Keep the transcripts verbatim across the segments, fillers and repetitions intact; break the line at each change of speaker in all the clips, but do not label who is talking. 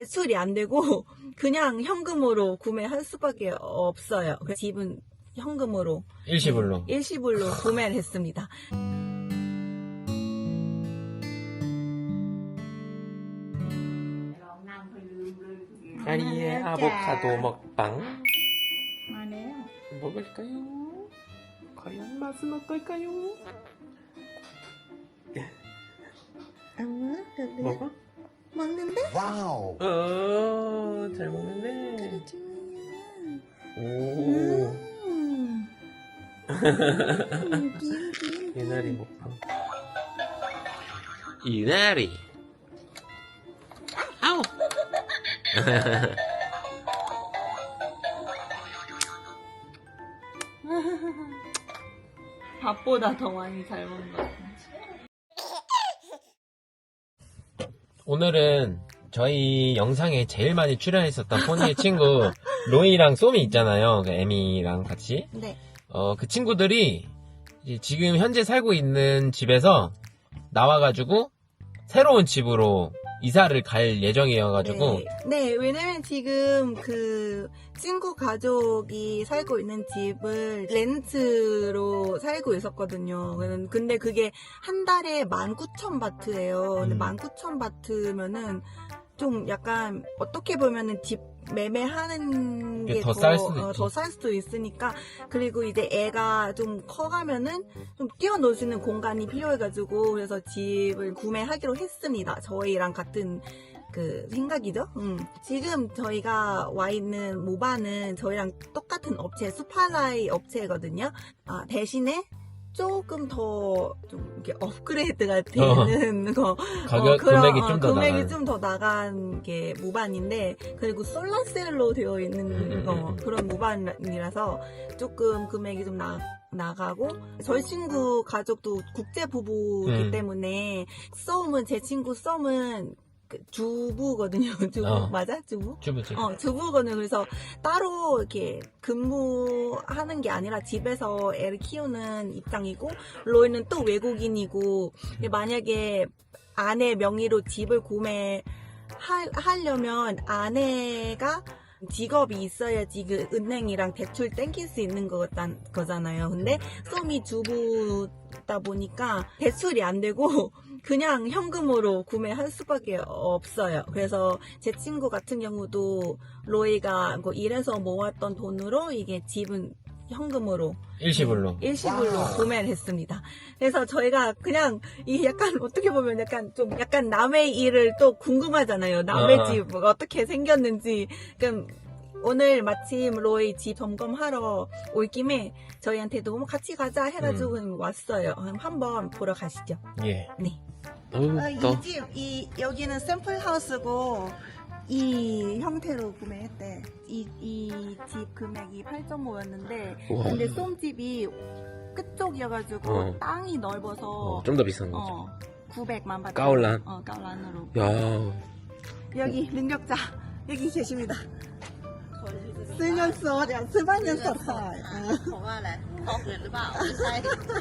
대출이 안 되고 그냥 현금으로 구매할 수밖에 없어요. 그래서 집은 현금으로
일시불로.
네, 일시불로 구매를 했습니다.
아리의 아보카도 먹방
안해요.
먹을까요? 과연 맛은 어떨까요? 먹어?
먹는데?
와우.
어, 잘 먹는데. 오.
음.
이나리 먹방. 이나리. 아우.
밥보다 더 많이 잘 먹는 것 같아요.
오늘은 저희 영상에 제일 많이 출연했었던 포니의 친구 로이랑 쏘미 있잖아요. 그 에미랑 같이.
네.
어, 그 친구들이 이제 지금 현재 살고 있는 집에서 나와가지고 새로운 집으로 이사를 갈 예정이어가지고
네. 네, 왜냐면 지금 그 친구 가족이 살고 있는 집을 렌트로 살고 있었거든요. 근데 그게 한 달에 만 구천 바트예요. 근데
음.
만 구천 바트면은 좀 약간 어떻게 보면은 집 매매하는
이게
게
더
더
쌀 수도
어,
있지.
더 쌀 수도 있으니까. 그리고 이제 애가 좀 커가면은 좀 뛰어놀 수 있는 공간이 필요해가지고 그래서 집을 구매하기로 했습니다. 저희랑 같은 그 생각이죠. 음. 지금 저희가 와 있는 모바는 저희랑 똑같은 업체 수파라이 업체거든요. 아, 대신에 조금 더 좀 이렇게 업그레이드가 되는 거
가격
그런,
금액이
어,
좀 더
금액이
나가는.
좀 더 나간 게 모반인데, 그리고 솔라셀로 되어 있는
음,
거
음, 음.
그런 모반이라서 조금 금액이 좀 나, 나가고, 저희 친구 가족도 국제 부부이기
음.
때문에 썸은 제 친구 썸은 그 주부거든요. 주부
어.
맞아? 주부?
주부지.
어, 주부거든요. 그래서 따로 이렇게 근무하는 게 아니라 집에서 애를 키우는 입장이고, 로이는 또 외국인이고, 근데 만약에 아내 명의로 집을 구매하려면 아내가 직업이 있어야지 그 은행이랑 대출 땡길 수 있는 거단, 거잖아요. 근데 쏨이 주부다 보니까 대출이 안 되고 그냥 현금으로 구매할 수밖에 없어요. 그래서 제 친구 같은 경우도 로이가 뭐 일해서 모았던 돈으로 이게 집은 현금으로
일시불로.
네, 일시불로
와우.
구매를 했습니다. 그래서 저희가 그냥 이 약간 어떻게 보면 약간 좀 약간 남의 일을 또 궁금하잖아요. 남의
아.
집 어떻게 생겼는지. 그럼 오늘 마침 로이 집 점검하러 올 김에 저희한테도 뭐 같이 가자 해가지고
음.
왔어요. 그럼 한번 보러 가시죠.
예.
네.
어우,
아,
또.
이 집, 이, 여기는 샘플 하우스고, 이 형태로 구매했대. 이, 이 집 금액이 팔 점 오였는데,
우와.
근데 쏨집이 끝쪽이어가지고,
어.
땅이 넓어서,
어, 좀 더 비싼 거죠.
어, 구백만 바트.
까올란.
어, 까올란으로.
야.
여기 능력자, 여기 계십니다. 쓰면서, 야, 스바년서 살.
ผมว่าอะไรท้องอืดหรือเปล่าไม่ใช่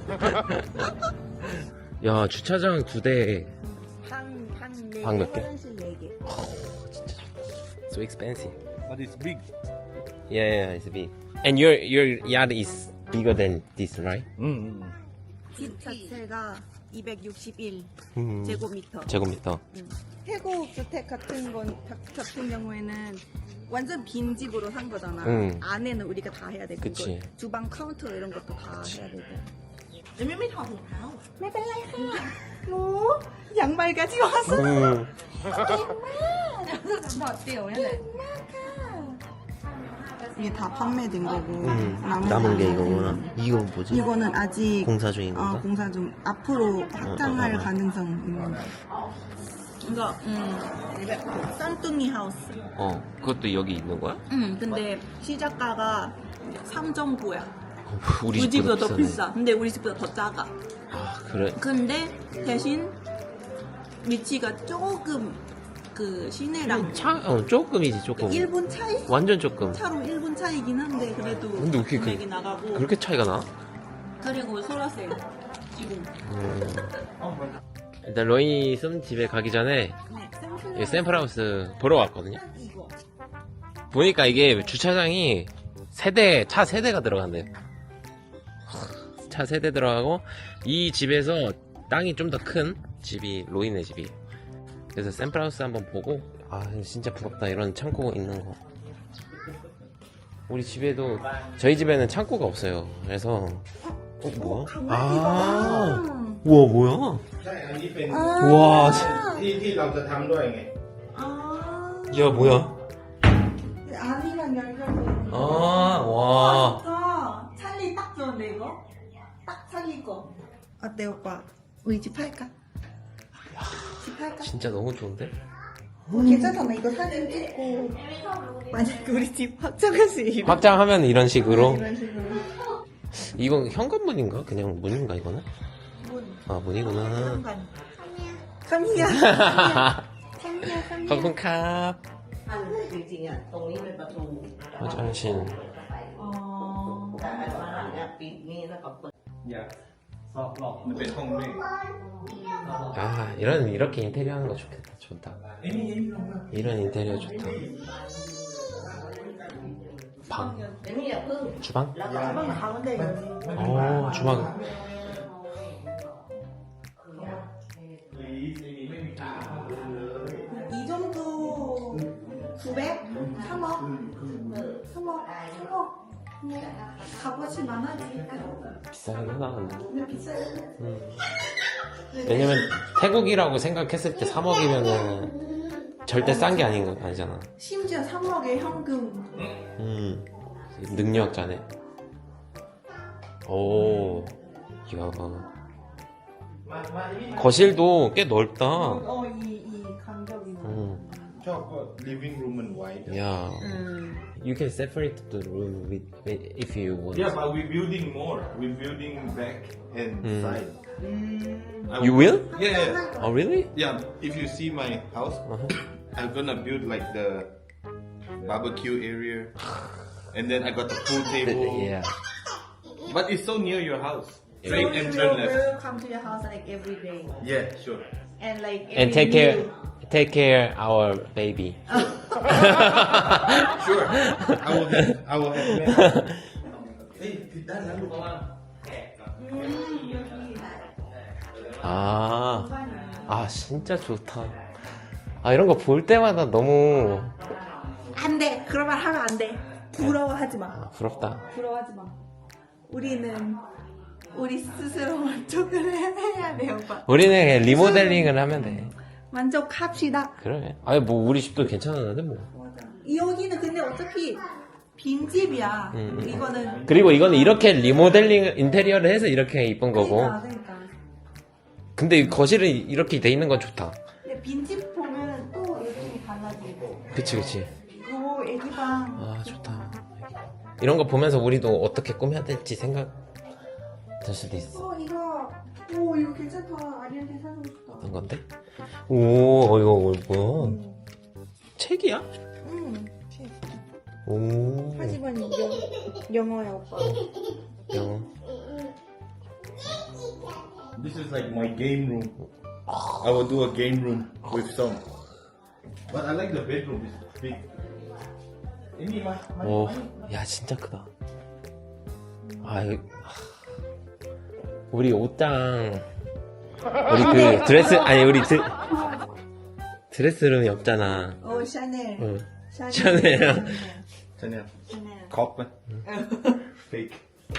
야, 주차장 두 대.
방, 방 네
방
개,
몇 개?
화장실 네 개.
So expensive.
But it's big.
Yeah, yeah, it's big. And your your yard is bigger than this, right?
Mm.
집 자체가 이백육십일
음.
제곱미터.
제곱미터.
음. 태국 주택 같은 건 가- 같은 경우에는 완전 빈 집으로 산 거잖아.
응.
안에는 우리가 다 해야 되고,
그치.
주방 카운터 이런 것도 다 해야 되고.
ยังไม่ไม่ถอดถุงเท้า
ไม่เป็นไรค่ะหนู양말까지 왔어.
음.
ถอดเตี่ยวนี่แหละ
이게 다 판매된 거고.
음.
나머지
남은 게 이거구나. 이건 뭐지?
이거는 아직
공사 중인
어,
건가?
공사 중 앞으로 확장할
어, 어, 어.
가능성 있는. 이거 음 쌍둥이 하우스.
어, 그것도 여기 있는 거야?
음 근데 시작가가 삼 점 구야.
어,
우리,
우리
집보다 더
비싸네.
비싸. 근데 우리 집보다 더 작아.
아, 그래?
근데 대신 위치가 조금 그 시내랑
차, 어, 조금이지, 조금.
일 분 차이?
완전 조금.
차로 일 분 차이긴 한데 그래도
근데 어떻게 그-
금액이 나가고.
그렇게 차이가 나?
그리고 소라셀 지금
음. 일단 로이 쏨 집에 가기 전에
네, 샘플
이 샘플하우스 보러 왔거든요.
이거.
보니까 이게 주차장이 세대, 차 세대가 들어간대요. 차 세대 들어가고, 이 집에서 땅이 좀 더 큰 집이 로이네 집이. 그래서 샘플하우스 한번 보고, 아, 진짜 부럽다. 이런 창고 있는 거. 우리 집에도, 저희 집에는 창고가 없어요. 그래서, 어, 뭐야? 아, 우와, 뭐야?
ใช่ อันนี้เป็น
우와,
ที่ที่เราจะทำด้วยไง
아.
야, 뭐야?
안이랑 연결돼.
아, 와.
좋다. 찰리 딱 좋은데 이거? 딱 찰리 거. 어때 오빠? 우리 집 할까? 집 할까?
진짜 너무 좋은데?
어, 괜찮잖아. 이거 사진 찍고 만약에 우리 집 확정할 수 있으면
확장하면 이런 식으로.
이런 식으로.
이건 현관문인가? 그냥 문인가, 이거는?
문.
아, 문이구나.
현관. 카미야. 카미야. 카미야.
거군캅.
อันจริงๆอ่ะตรงนี้เป็นประตู
화장실.
어.
แต่อันมาเนี่ยปิดนี่แล้วก็เปิด
อย่าซอกหลอกมันเป็นห้องด้วย
아, 이런, 이렇게 인테리어 하는 거 좋겠다. 좋다.
ไอ้นี่ไอ้นี่ลงมา
이런 인테리어 좋다. 방.
เดี๋ยวนี้อย่าเพิ่ง
주방?
แล้วก็
주방 가운데 여기.
어, 주방.
이 정도 구백? 삼억? 삼억? 삼억? 값어치 많아지.
비싸긴 하다, 근데.
근데 비싸요.
음. 왜냐면, 태국이라고 생각했을 때 삼억이면은 절대 싼 게 아닌 거, 아니잖아.
심지어 삼억에 현금.
음. 능력자네. 오. 이야. 거실도 꽤 넓다.
어, 이, 이 간격이.
음.
ชอบก็ living room มันไว้
Yeah.
음.
You can separate the room with, with if you want.
yeah but we building more we building back and
Mm.
side
음.
I
You
will-
will?
yeah yeah
Oh, really?
yeah if you see my house
Uh-huh.
I'm gonna build like the barbecue area and then I got the pool table
Yeah.
but it's so near your house
So
straight
we
entrance
will,
left
will come to your house like every day.
yeah sure
And like every
And take care,
meal.
take care our baby.
sure I will have I will have เฮ้ยผิดด้านนั้นลูก
음, 여기.
아, 아 진짜 좋다. 아 이런 거 볼 때마다 너무
안 돼. 그런 말 하면 안 돼. 부러워하지 마.
아, 부럽다.
부러워하지 마. 우리는 우리 스스로 만족을 해야 돼, 오빠.
우리는 그냥 리모델링을 하면 돼.
만족합시다.
그래. 아니 뭐 우리 집도 괜찮았는데 뭐.
맞아. 여기는 근데 어차피 빈집이야.
음, 음.
이거는.
그리고 이거는 이렇게 리모델링 인테리어를 해서 이렇게 이쁜 거고.
그러니까, 그러니까.
근데 이 거실은 이렇게 돼 있는 건 좋다.
근데 빈집 보면 또 느낌이 달라지고.
그치 그치.
오, 애기방.
아 좋다. 이런 거 보면서 우리도 어떻게 꾸며야 될지 생각 들 수도 있어.
어, 이거. 오, 이거 괜찮다. 아리한테 사주고 싶다.
어떤 건데? 오 이거 뭐야? 책이야?
응.
오.
하지만 이거 영어야, 오빠.
영어.
This is like my game room. I will do a game room with some. But I like the bedroom. It's big. Any my, my,
오,
my.
야 진짜 크다. 아, 이거, 하, 우리 옷장, 우리 그 드레스 아니 우리 드 드레스룸이 없잖아.
오, 샤넬.
응.
샤넬.
샤넬.
Chanel.
샤넬.
Cock man. Fake.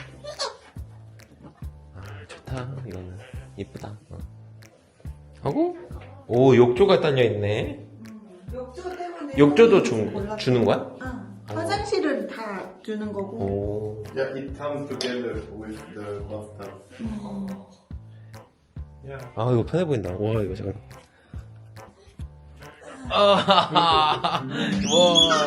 아, 좋다. 이거는 이쁘다. 어. 하고, 오 욕조가 딸려 있네.
욕조 때문에.
욕조도
몰랐어.
주, 주는 거야?
응. 화장실은 다 주는 거고.
오.
Yeah, it comes together with the bathtub. Yeah.
아 이거 편해 보인다. 와 이거 잠깐. 아, 와.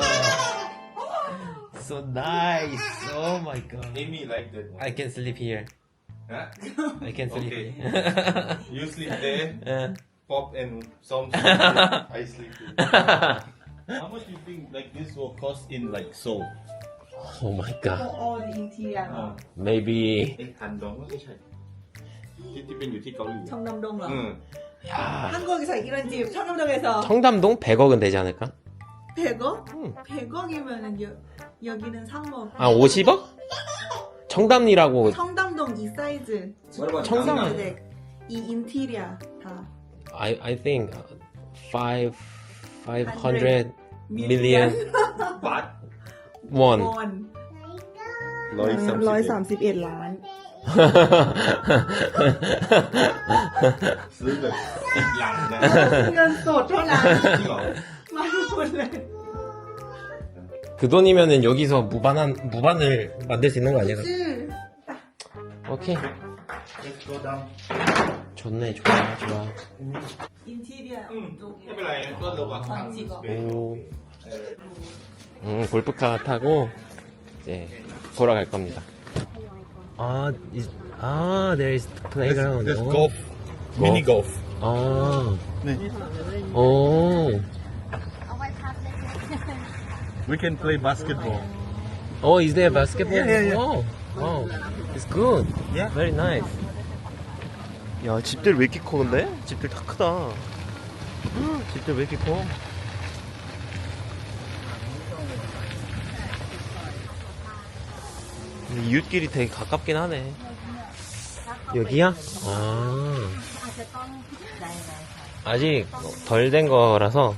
So nice. Oh my god.
Amy like that.
I can sleep here.
Huh?
I can sleep
Okay.
here.
You sleep there.
Uh,
Pop and some sleep there. I sleep here. How much do you think like this will cost in like Seoul?
oh my
For
god.
all the interior.
Maybe
เอ๊ะพันดองก็ไม่ใช่ที่ที่เป็นอยู่ที่เกาหลี
청담동 เหรอ
อืม
야,
한국에서 이런 집 청담동에서
청담동 백억은 되지 않을까?
백억?
응.
백억이면은 여, 여기는 삼억.
아, 오십억? 청담리라고.
청담동 이 사이즈.
청담.
이 인테리어 다.
I I think five five hundred million won.
원.
Loy
ร้อยสามสิบเอ็ดล้าน
ซื้อแบบสิบหลังนะ
เงินสดเท่านั้น
จริงเหรอ
มาทุกคนเลย
그 돈이면은 여기서 무반한 무반을 만들 수 있는 거 아니야?
ชื่อ
오케이.
Let's go down
좋네, 좋아, 좋아.
อินทีเรีย
ไม่เป็นไรก็ระวัง
ของจริงเหรอ
오. 음, 골프카 타고 이제 돌아갈 겁니다. 아, is, 아, there is playground.
There's
어.
golf mini golf
아,
네.
오,
We can play basketball
oh, is there basketball?
Yeah, yeah, yeah.
Oh, oh, it's good.
Yeah.
Very nice. 야, 집들 왜 이렇게 커, 근데? 집들 다 크다. 집들 왜 이렇게 커? 근데 이웃끼리 되게 가깝긴 하네. 여기야? 아. 아직 덜 된 거라서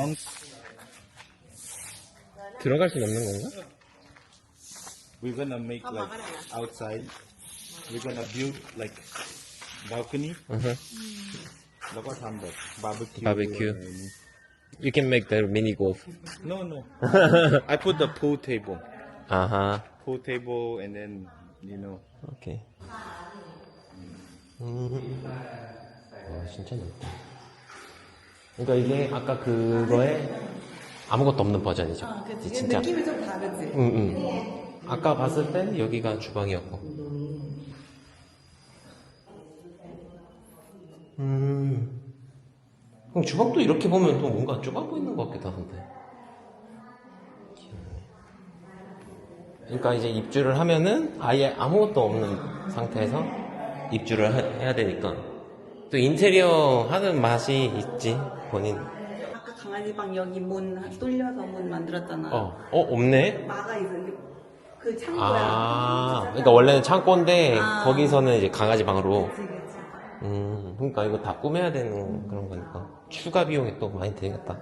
들어갈 순 없는 건가?
We're gonna make like outside We're gonna build like balcony
Uh-huh.
แล้วก็ทำแบบ barbecue
Barbecue.
อะไรอย่างนี้
You can make the mini golf.
No no I put the pool table
아하.
pool table and then you know
오케이. 음. 와, 진짜 넓다. 그러니까 이게 아까 그거에 아무것도 없는 버전이죠.
아, 그치.
진짜.
느낌이 좀 다르지.
응, 응. 아까 봤을 땐 여기가 주방이었고. 음. 그럼 주방도 이렇게 보면 또 뭔가 좁아 보이는 것 같기도 하던데. 그러니까 이제 입주를 하면은 아예 아무것도 없는 상태에서 입주를 하- 해야 되니까 또 인테리어 하는 맛이 있지, 본인.
아까 강아지 방 여기 문 뚫려서 문 만들었잖아.
어, 어, 없네?
막아 있어. 그 창고야.
아, 그러니까 원래는 창고인데
아.
거기서는 이제 강아지 방으로.
그치, 그치.
음, 그러니까 이거 다 꾸며야 되는 그런 거니까 추가 비용이 또 많이 들겠다.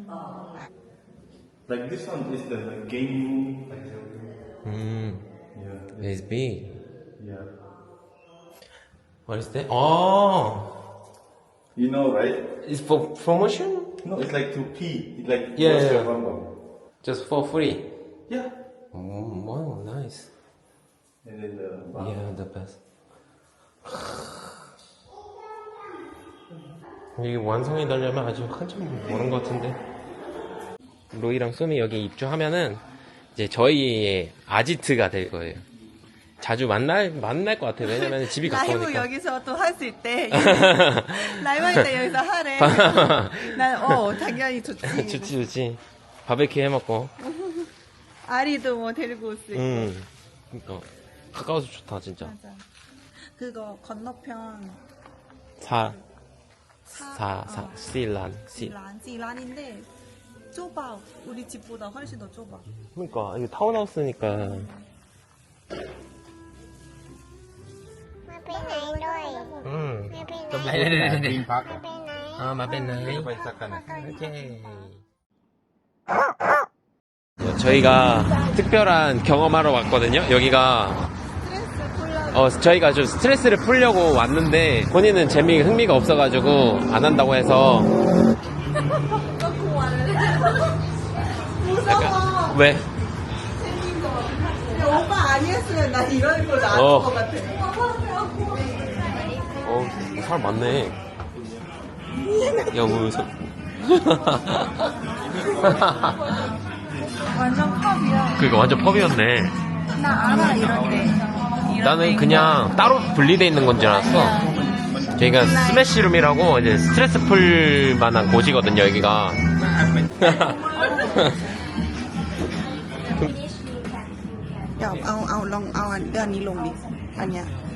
like this one is the like, game room
음,
yeah
it's big.
yeah
What is that? Oh,
you know right
it's for promotion?
no it's like to pee it's like
Yeah,
what's
yeah,
your
yeah.
number?
Just for free.
yeah
Oh, wow, nice.
and then the
Yeah, the best. 이게 완성이 되려면 아주 한참 멀은 것 같은데. 로이랑 쏘미 여기 입주하면은 이제 저희의 아지트가 될 거예요. 자주 만날 만날 것 같아요. 왜냐면 집이
라이브
가까우니까.
여기서 또 할 수 있대. 라이브 할 때 여기서 하래. 난, 어, 당연히 좋지.
좋지 좋지. 바베큐 해 먹고.
아리도 뭐 데리고 올 수 있고.
음. 그러니까 가까워서 좋다 진짜.
맞아. 그거 건너편
사
사,
사, 사,
어,
시란, 시.
지란, 지란인데 좁아. 우리 집보다 훨씬 더 좁아.
그러니까 이게 타운하우스니까.
มาไปไหนด้วย
음.
มาไปไหน
또 네, 네, 네.
พัก
มาไปไหน
아, 마벤나이.
ไปสักกัน
오케이. 저희가 특별한 경험하러 왔거든요. 여기가 어 저희가 좀 스트레스를 풀려고 왔는데 본인은 재미 흥미가 없어가지고 안 한다고 해서
무서워.
왜?
오빠 아니었으면 나 이런 거 나을
어.
것 같아.
어 사람 많네. 야 무서.
완전 컵이야.
그니까 완전 펍이었네.
나 알아 이런데.
나는 그냥 따로 분리돼 있는 건 줄 알았어. 저희가 스매시룸이라고 이제 스트레스 풀 만한 곳이거든요, 여기가.
เดี๋ยวเอาเอาลองเอาอันเดือนนี้ลงดิอันเนี้ย